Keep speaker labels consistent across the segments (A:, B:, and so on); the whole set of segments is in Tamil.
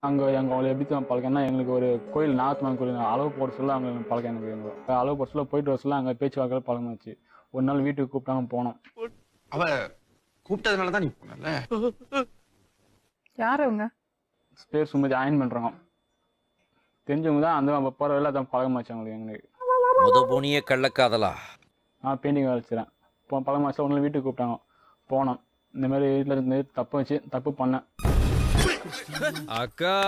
A: அவங்களை எப்படி தான் பழக்கம்னா, எங்களுக்கு ஒரு கோயில் நாகத்தம்மன் கோயில் அளவு போட சொல்ல அவங்க பழக்கம் எனக்கு. எங்களுக்கு அளவு போட சொல்ல போயிட்டு வர சொல்ல அங்கே பேச்சுவார்த்தை பழக்கமாச்சு. ஒரு நாள் வீட்டுக்கு கூப்பிட்டாங்க, போனோம்.
B: அவ கூப்பிட்டதுனால தான் நீ போனல.
C: யார் அவங்க?
A: பேர் சும்மா அயன் பண்ணுறாங்க. தெரிஞ்சவங்க தான். அந்த போகிற வேலை தான் பழக்கமாச்சு அவங்களுக்கு. எங்களுக்கு
D: முதபோனிய கள்ளக்காதலா?
A: நான் பெயிண்டிங் வேலை வச்சுறேன். இப்போ பழக்கமாச்சு. ஒரு நாள் வீட்டுக்கு கூப்பிட்டாங்க, போனோம். இந்த மாதிரி வீட்டில் இருந்து தப்பு பண்ணேன்.
E: அக்கா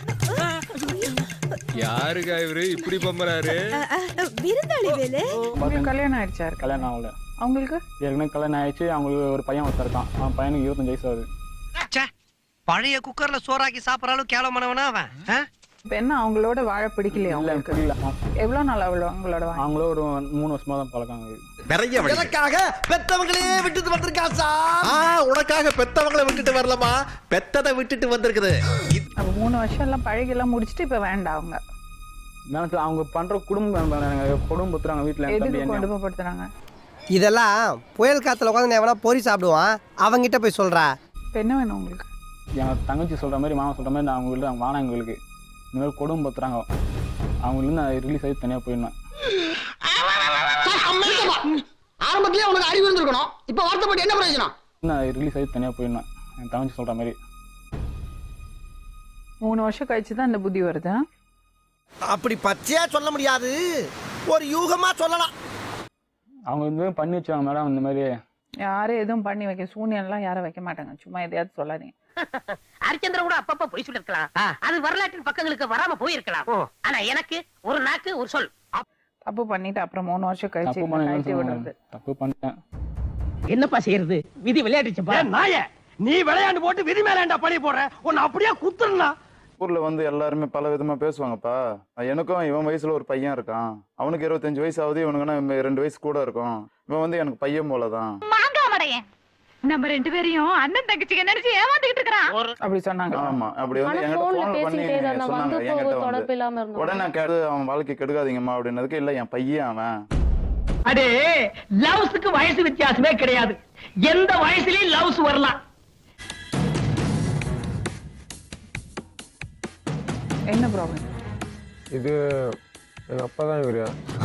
E: யாருக்கா இவரு இப்படி பம்பறாரு?
C: விருந்தாளி வேலை. கல்யாணம் ஆயிடுச்சா?
A: கல்யாணம் ஆகல
C: அவங்களுக்கு.
A: ஏற்கனவே கல்யாணம் ஆயிடுச்சு. அவங்களுக்கு ஒரு பையன் ஒருத்தர் இருக்கான். அவன் பையனுக்கு 25 வயசு ஆகுது.
F: பழைய குக்கர்ல சோறாக்கி சாப்பிடறாலும் கேவலமானவனா அவன்.
C: இப்ப என்ன அவங்களோட வாழ பிடிக்கலையா உங்களுக்கு? எவ்வளவு நாள் அவங்களோட
A: அவங்களோ ஒரு 3 வருஷமா தான் பழக்கம்.
B: நிறைய
G: எனக்காக பெத்தவங்களே விட்டுட்டு வந்திருக்கா சார்.
B: உனக்காக பெத்தவங்களை விட்டுட்டு வரலமா, பெத்ததை விட்டுட்டு வந்திருக்குது.
C: அப்ப 3 வருஷம் எல்லாம் பழகி எல்லாம் முடிச்சுட்டு இப்ப வேண்டாம் அவங்க.
A: அவங்க பண்ற குடும்பத்துறாங்க வீட்டுல.
C: எதுக்கு குடும்பப்படுத்துறாங்க?
G: இதெல்லாம் புயல் காத்துல உட்காந்து எவனா பொறி சாப்பிடுவான், அவங்கிட்ட போய் சொல்றா.
C: இப்ப என்ன வேணும் உங்களுக்கு?
A: என் தங்கச்சி சொல்ற மாதிரி, மாமா சொல்ற மாதிரி நான் அவங்கள்ட்ட வானா எங்களுக்கு இந்த மாதிரி குடும்பத்துறாங்க. அவங்களுக்கு நான் ரிலீஸ் ஆகி தனியா போயிடணும்.
H: ஆரம்பத்திலே உனக்கு அறிவு இருந்திருக்கணும். இப்ப வருத்தப்பட்டு என்ன பிரயோஜனம்?
A: நான் ரிலீஸ் ஆகி தனியா போயிடணும் என் தங்கச்சி சொல்ற மாதிரி.
C: 3 வருஷம் கழிச்சு தான் இந்த புத்தி வருது.
G: அப்படி பச்சையா சொல்ல முடியாது, ஒரு யூகமா சொல்லலாம்.
A: அவங்க இந்த பண்ணி வச்சாங்க மேடம். இந்த மாதிரி
C: யாரும் எதுவும் பண்ணி வைக்க சூனியெல்லாம் யாரும் வைக்க மாட்டாங்க. சும்மா எதையாவது சொல்லாதீங்க.
F: ஹரிச்சந்திர கூட அப்பப்ப பொய் சொல்லிருக்கலாம். அது வரலாற்றின் பக்கங்களுக்கு வராம போயிருக்கலாம். ஆனா எனக்கு ஒரு நாக்கு ஒரு சொல்.
C: தப்பு பண்ணிட்டு அப்புறம் 3 வருஷம் கழிச்சு கழட்டி விடுறது.
A: தப்பு பண்ணிட்டேன்.
F: என்னப்பா செய்யறது? விதி விளையாட்டுச்சுப்பா.
H: நாய நீ விளையாண்டு போட்டு விதி மேலாண்டா பழி போடுற. உன்னை அப்படியே குத்துறா.
I: ஊர்ல வந்து எல்லாருமே பல விதமா பேசுவாங்கப்பா. எனக்கும் இவன் வயசுல ஒரு பையன் இருக்கான். அவனுக்கு 25 வயசு ஆகுது. இவனுக்குன்னா 2 வயசு கூட இருக்கும். இவன் வந்து எனக்கு பையன் போலதான்.
J: நம்ம 2 பேரையும் அண்ணன் தங்கச்சிங்க நினைச்சு ஏமாத்திட்டு இருக்கான்
C: அப்படி சொன்னாங்க.
I: ஆமா, அப்படி வந்து என்கிட்ட போன் பண்ணி சொன்னாங்க. என்கிட்ட வந்து உடனே கேட்டு அவன் வாழ்க்கை கெடுக்காதீங்கம்மா அப்படின்னதுக்கு, இல்ல என் பையன் அவன்.
F: அடே லவ்ஸ்க்கு வயசு வித்தியாசமே கிடையாது. எந்த வயசுலயும் லவ்ஸ் வரலாம்.
C: என்ன ப்ராப்ளம்?
E: இது எங்க அப்பா தான் இவரு.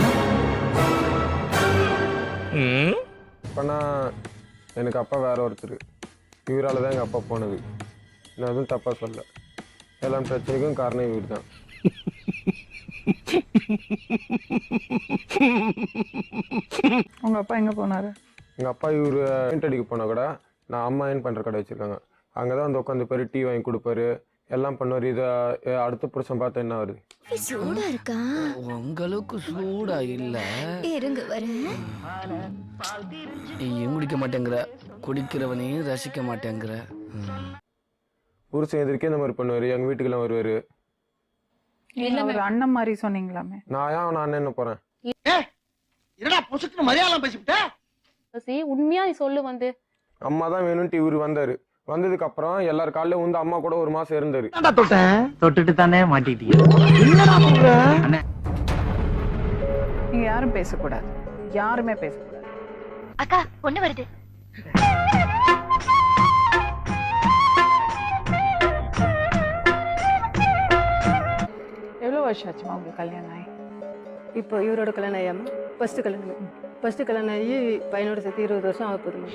E: அப்பனா எனக்கு அப்பா வேற ஒருத்தர். இவரால் தான் எங்கள் அப்பா போனது. நான் எதுவும் தப்பாக சொல்ல. எல்லாம் பிரச்சனைக்கும் காரணம் இவர் தான்.
C: உங்க அப்பா எங்க போனாரு?
E: எங்கள் அப்பா இவர் பெயிண்ட் அடிக்க போனால் கூட நான் அம்மா ஏன் பண்ணுற கடை வச்சுருக்காங்க. அங்கே தான் வந்து உட்காந்து பேர் டீ வாங்கி கொடுப்பாரு, எல்லாம் பண்ணுவார். இதை அடுத்த புருஷன் பார்த்தா என்ன வருது?
J: சூடா இருக்கா?
F: உங்களுக்கு சூடா இல்ல.
J: இருங்க வரேன்.
F: நீயும் குடிக்க மாட்டேங்கிற, குடிக்கிறவனையும் ரசிக்க மாட்டேங்கிற.
E: புருஷன் எதிர்க்கே இந்த மாதிரி பண்ணுவார். எங்கள் வீட்டுக்கெல்லாம் வருவார்.
C: ஒரு அண்ணன் மாதிரி சொன்னீங்களாமே.
E: நான் ஏன் நான் என்ன போகிறேன்?
H: என்னடா பொசுக்கு மரியாதை பேசிவிட்ட?
J: உண்மையா நீ சொல்லு. வந்து
E: அம்மா தான் வேணும்ட்டு இவர் வந்தார். வந்ததுக்கு அப்புறம் எல்லார் காலையில வந்து அம்மா கூட 1 மாசம் இருந்தாரு.
F: தொட்டுட்டு தானே மாட்டிட்டீங்க.
C: நீங்க யாரும் பேசக்கூடாது. யாருமே பேசக்கூடாது.
J: அக்கா பொண்ணு வருது.
C: எவ்வளவு வருஷம் ஆச்சுமா உங்களுக்கு கல்யாணம் ஆகி?
K: இப்போ இவரோட கல்யாணம் ஆயாம ஃபர்ஸ்ட் கல்யாணம் ஆகி பையனோட சேர்த்து 20 வருஷம் ஆக போதுமா?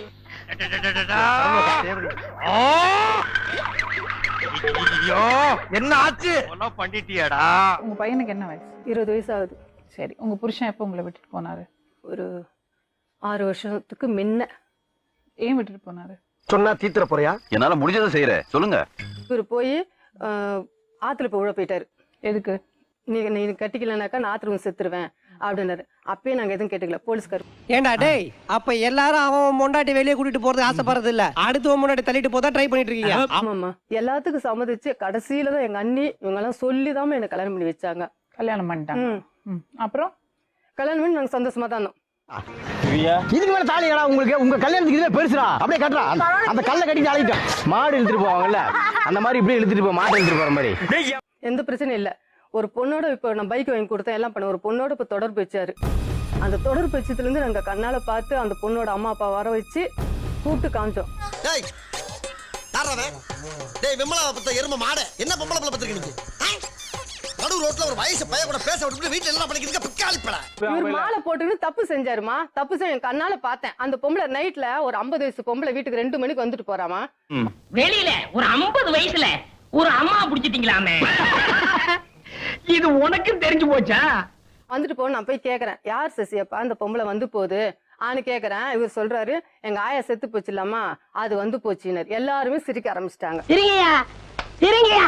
H: என்ன ஆச்சு? பண்ணிட்டியாடா?
C: உங்க பையனுக்கு என்ன வயசு?
K: 20 வயசு ஆகுது.
C: சரி, உங்க புருஷன் எப்போ உங்களை விட்டுட்டு போனாரு?
K: ஒரு 6 வருஷத்துக்கு முன்ன.
C: ஏன் விட்டுட்டு போனாரு?
H: சொன்னா தீத்துற போறியா?
B: என்னால முடிஞ்சதை செய்யறேன், சொல்லுங்க.
K: இவர் போய் ஆத்துல போய் உள்ள போயிட்டாரு.
C: எதுக்கு?
K: நீ கட்டிக்கலனாக்கா நான் ஆத்துல செத்துருவேன் அப்படின்னாரு. அப்பயே நாங்க எதுவும் கேட்டுக்கல. போலீஸ்கார்
G: ஏண்டா டேய், அப்ப எல்லாரும் அவன் முண்டாட்டி வெளியே கூட்டிட்டு போறது ஆசைப்படுறது இல்ல, அடுத்து முன்னாடி தள்ளிட்டு போதா ட்ரை பண்ணிட்டு இருக்கீங்க.
K: ஆமாம்மா, எல்லாத்துக்கும் சம்மதிச்சு கடைசியில தான் எங்க அண்ணி இவங்க எல்லாம் சொல்லிதான் எனக்கு கல்யாணம் பண்ணி வச்சாங்க.
C: கல்யாணம் பண்ணிட்டாங்க. அப்புறம்
K: கல்யாணம் பண்ணி நாங்க சந்தோஷமா தான்.
H: இதுக்கு மேல தாலிடா உங்களுக்கு? உங்க கல்யாணத்துக்கு இதுல பெருசுடா. அப்படியே கட்டுறா. அந்த கல்ல கட்டி அழைட்டேன். மாடு இழுத்துட்டு போவாங்கல்ல, அந்த மாதிரி இப்படி இழுத்துட்டு போ, மாட்டை இழுத்துட்டு போற மாதிரி.
K: எந்த பிரச்சனையும் இல்ல. ஒரு பொண்ணோட இப்ப நான் பைக் வாங்கி கொடுத்தேன், எல்லாம் பண்ண. ஒரு பொண்ணோட இப்ப தொடர்பு வச்சாரு. அந்த தொடர்பு வச்சதுல இருந்து நாங்க கண்ணால பார்த்து அந்த பொண்ணோட அம்மா அப்பா வர வச்சு கூப்பிட்டு காமிச்சோம்.
B: டேய் விமலா பத்த எரும மாடு என்ன பொம்பளை பிள்ளை பத்திருக்க நீங்க நடு ரோட்ல ஒரு வயசு பைய கூட பேச விட்டு வீட்டுல எல்லாம் பண்ணிக்கிறீங்க பிக்காளி பட
K: இவர் மாலை போட்டுன்னு தப்பு செஞ்சாருமா. தப்பு செஞ்ச என் கண்ணால பார்த்தேன். அந்த பொம்பளை நைட்ல ஒரு 50 வயசு பொம்பளை வீட்டுக்கு 2 மணிக்கு வந்துட்டு போறாமா.
F: வெளியில ஒரு 50 வயசுல ஒரு அம்மா புடிச்சிட்டீங்களாமே. இது உனக்கு தெரிஞ்சு போச்சா?
K: வந்துட்டு போ. நான் போய் கேக்குறேன், யார் சசியப்பா அந்த பொம்பளை வந்து போகுது ஆன்னு கேக்குறேன். இவர் சொல்றாரு, எங்க ஆயா செத்து போச்சு இல்லாமா, அது வந்து போச்சுனர். எல்லாருமே சிரிக்க ஆரம்பிச்சிட்டாங்க.
F: இருங்கயா இருங்கயா.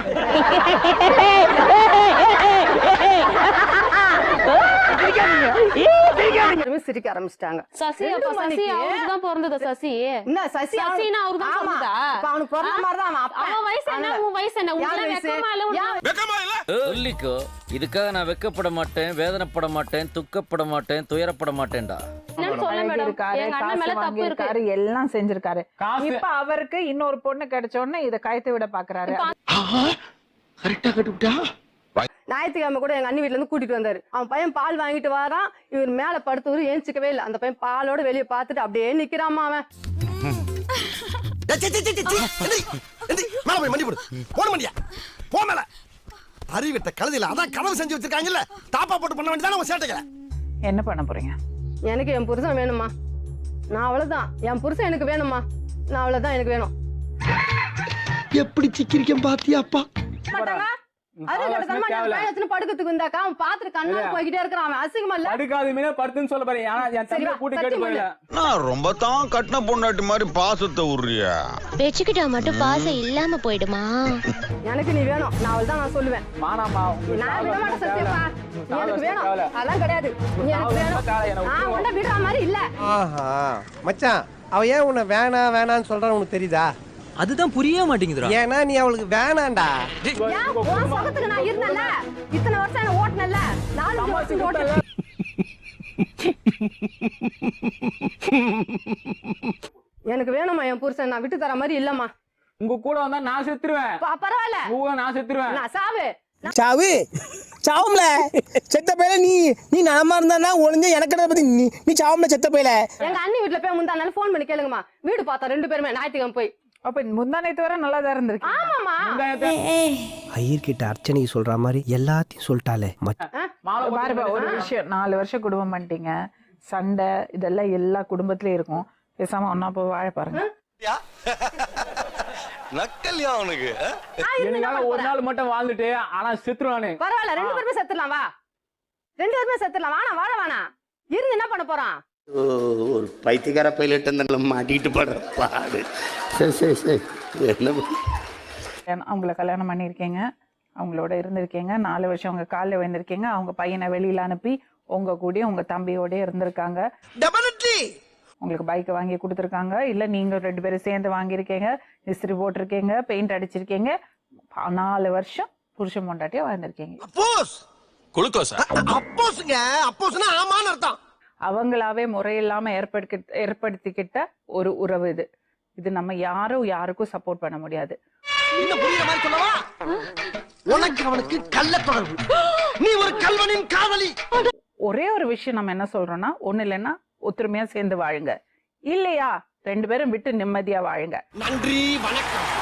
K: சிரிக்க ஆரம்பிச்சிட்டாங்க.
J: சசி அப்ப சசி அவருக்கு தான் பிறந்தது. சசி
K: என்ன சசி
J: சசினா அவருக்கு தான் பிறந்ததா?
K: அவனுக்கு பிறந்த மாதிரி தான்
J: அவன் வயசு என்ன உன் வயசு என்ன? உங்களுக்கு வெக்கமா இல்ல?
D: சொல்லிக்கோ, இதுக்காக நான் வெக்கப்பட மாட்டேன், வேதனைப்பட மாட்டேன், துக்கப்பட மாட்டேன், துயரப்பட மாட்டேன்டா.
C: எல்லாம் செஞ்சிருக்காரு. இப்ப அவருக்கு இன்னொரு பொண்ணு கிடைச்ச உடனே இத கயத்தை விட பாக்குறாரு.
K: ஞாயிற்றுக்கிழமை கூட எங்க அண்ணி வீட்டுல இருந்து கூட்டிட்டு வந்தாரு. அவன் பையன் பால் வாங்கிட்டு வரான். இவர் மேல படுத்தவரு ஏஞ்சிக்கவே இல்லை. அந்த பையன் பாலோட வெளியே பார்த்துட்டு அப்படியே நிக்கிறாமா. அவன்
B: அறிவிட்ட கழுதில அதான் கனவு செஞ்சு வச்சிருக்காங்கல்ல, தாப்பா போட்டு பண்ண வேண்டியதான உன் சேட்டைகளை.
C: என்ன பண்ண போறீங்க?
K: எனக்கு என் புருஷன் வேணுமா. நான் அவ்வளவுதான். என் புருஷன் எனக்கு வேணுமா. நான் அவ்வளவுதான், எனக்கு வேணும்.
B: எப்படி சிக்கிரிக்கம் பாத்தியாப்பா?
K: படுக்கிறதுக்கு இருந்தாக்கா அவன் பாத்துட்டு கண்ணா போய்கிட்டே இருக்கிறான். அவன் அசிங்கமா இல்ல?
A: படுக்காதீங்க படுத்துன்னு சொல்ல பாரு. ஆனா என் தம்பியை கூட்டி கேட்டு போயில.
H: நான் ரொம்ப தான் கட்டின பொண்டாட்டி மாதிரி பாசத்தை உருறியா?
J: வெச்சுக்கிட்டா மட்டும் பாசம் இல்லாம போயிடுமா?
K: எனக்கு நீ வேணும். நான் அவள்தான் நான் சொல்லுவேன்.
A: மானாமா
K: நான் விட மாட்டேன் சத்தியப்பா. எனக்கு வேணும். அதெல்லாம் கிடையாது. நீ எனக்கு வேணும். நான் உன்னை விடுற மாதிரி இல்ல.
G: ஆஹா மச்சான், அவ ஏன் உன்னை வேணாம் வேணான்னு சொல்றான்னு உனக்கு தெரியுதா?
H: அதுதான் புரிய மாட்டேங்குதுடா.
G: ஏன்னா நீ அவளுக்கு வேணாண்டா.
K: உன் சொகத்துக்கு நான் இருந்தேன்ல, இத்தனை வருஷம் என்ன ஓட்டுனல்ல, 4 வருஷம் ஓட்டுனேன். எனக்கு வேணுமா என் புருஷன். நான் விட்டு தர மாதிரி இல்லம்மா.
A: உங்க கூட வந்தா நான் செத்துருவேன்.
K: பரவாயில்ல,
A: நான் செத்துருவேன்.
K: நான் சாவு
G: சாவு சாவும்ல செத்த பையல. நீ நலமா இருந்தா ஒளிஞ்ச எனக்கு பத்தி நீ சாவும்ல செத்த பையல.
K: எங்க அண்ணி வீட்டுல போய் முந்தானால போன் பண்ணி கேளுங்கம்மா. வீடு பார்த்தா 2 பேருமே ஞாயிற்றுக்கிழமை போய்.
C: அப்ப முந்தானத்து வர நல்லா தான் இருந்திருக்கு.
K: ஆமாமா.
G: ஐயர்கிட்ட அர்ச்சனை சொல்ற மாதிரி எல்லாத்தையும் சொல்லிட்டாலே.
C: பாருப்பா, ஒரு விஷயம், 4 வருஷம் குடும்பம் பண்ணிட்டீங்க. சண்டை இதெல்லாம் எல்லா குடும்பத்திலயும் இருக்கும். பேசாம ஒன்னா போய் வாழ பாருங்க.
B: நக்கல்யா அவனுக்கு.
A: எனக்காக ஒரு நாள் மட்டும் வாழ்ந்துட்டு ஆனா செத்துருவானே.
K: பரவாயில்ல, 2 பேருமே செத்துடலாம். வா, 2 பேருமே செத்துடலாம். வாணா வாழ வேணா இருந்து என்ன பண்ண போறான்?
H: ஒரு பைத்தியக்கார பைலட் மாட்டிட்டு படுற பாடு. சரி சரி சரி, என்ன
C: அவங்கள கல்யாணம் பண்ணியிருக்கீங்க, அவங்களோட இருந்திருக்கீங்க, 4 வருஷம் அவங்க காலில் விழுந்திருக்கீங்க. அவங்க பையனை வெளியில அனுப்பி உங்க கூட உங்க தம்பியோட இருந்திருக்காங்க. உங்களுக்கு பைக்கை வாங்கி கொடுத்துருக்காங்க. இல்ல நீங்க 2 பேரும் சேர்ந்து வாங்கியிருக்கீங்க, இஸ்திரி போட்டிருக்கீங்க, பெயிண்ட் அடிச்சிருக்கீங்க. 4 வருஷம் புருஷன் பொண்டாட்டியா வாழ்ந்திருக்கீங்க. அவங்களாவே முறையில்லாம ஏற்படுத்திக்கிட்ட ஒரு உறவு இது. இது நம்ம யாருக்கும் சப்போர்ட் பண்ண முடியாது. ஒரே ஒரு விஷயம் நம்ம என்ன சொல்றோம்னா, ஒண்ணு இல்லைன்னா ஒத்துமையா சேர்ந்து வாழுங்க. இல்லையா 2 பேரும் விட்டு நிம்மதியா வாழுங்க.
B: நன்றி, வணக்கம்.